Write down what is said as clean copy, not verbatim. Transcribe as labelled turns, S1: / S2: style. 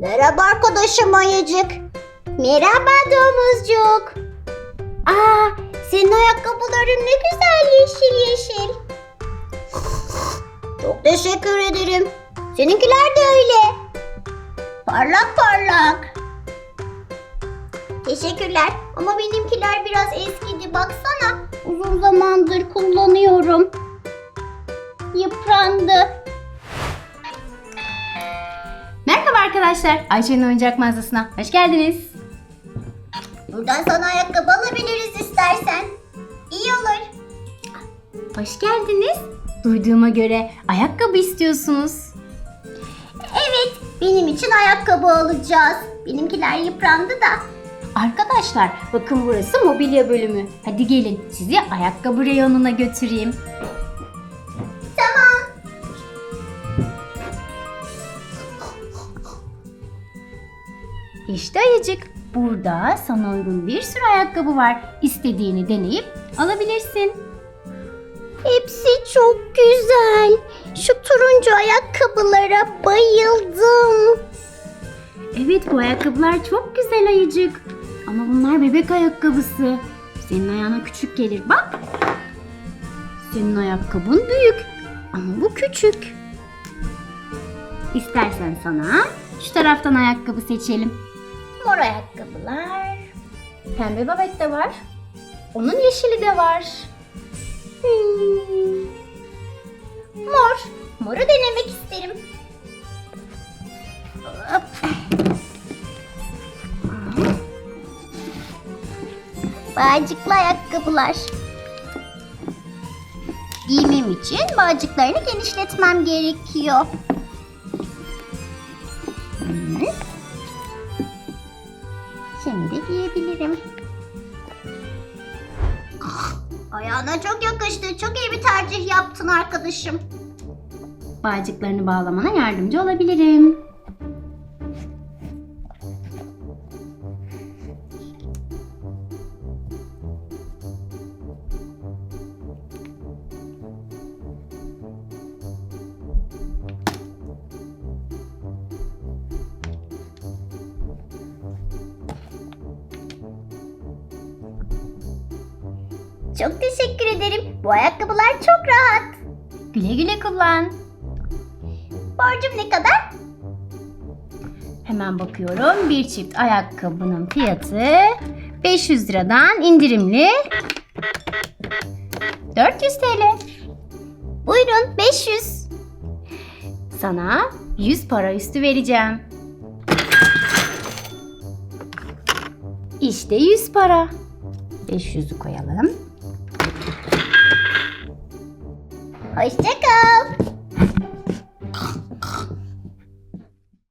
S1: Merhaba arkadaşım Ayıcık. Merhaba domuzcuk. Aa, senin ayakkabıların ne güzel yeşil yeşil. Çok teşekkür ederim. Seninkiler de öyle. Parlak parlak. Teşekkürler ama benimkiler biraz eskidi baksana. Uzun zamandır kullanıyorum. Yıprandı.
S2: Merhaba arkadaşlar, Ayşe'nin oyuncak mağazasına hoş geldiniz.
S1: Buradan sana ayakkabı alabiliriz istersen. İyi olur.
S2: Hoş geldiniz. Duyduğuma göre ayakkabı istiyorsunuz.
S1: Evet, benim için ayakkabı alacağız. Benimkiler yıprandı da.
S2: Arkadaşlar bakın burası mobilya bölümü. Hadi gelin sizi ayakkabı reyonuna götüreyim.
S1: Tamam.
S2: İşte Ayıcık. Burada sana uygun bir sürü ayakkabı var. İstediğini deneyip alabilirsin.
S1: Hepsi çok güzel. Şu turuncu ayakkabılara bayıldım.
S2: Evet bu ayakkabılar çok güzel Ayıcık. Ama bunlar bebek ayakkabısı. Senin ayağına küçük gelir bak. Senin ayakkabın büyük ama bu küçük. İstersen sana şu taraftan ayakkabı seçelim.
S1: Mor ayakkabılar.
S2: Pembe babet de var. Onun yeşili de var.
S1: Mor. Moru denemek isterim. Hop. Bağcıklı ayakkabılar. Giymem için bağcıklarını genişletmem gerekiyor. Şimdi giyebilirim. Ayağına çok yakıştı. Çok iyi bir tercih yaptın arkadaşım.
S2: Bağcıklarını bağlamana yardımcı olabilirim.
S1: Çok teşekkür ederim. Bu ayakkabılar çok rahat.
S2: Güle güle kullan.
S1: Borcum ne kadar?
S2: Hemen bakıyorum. Bir çift ayakkabının fiyatı 500 liradan indirimli 400 TL.
S1: Buyurun 500.
S2: Sana 100 para üstü vereceğim. İşte 100 para. 500'ü koyalım.
S1: Hoşça kal.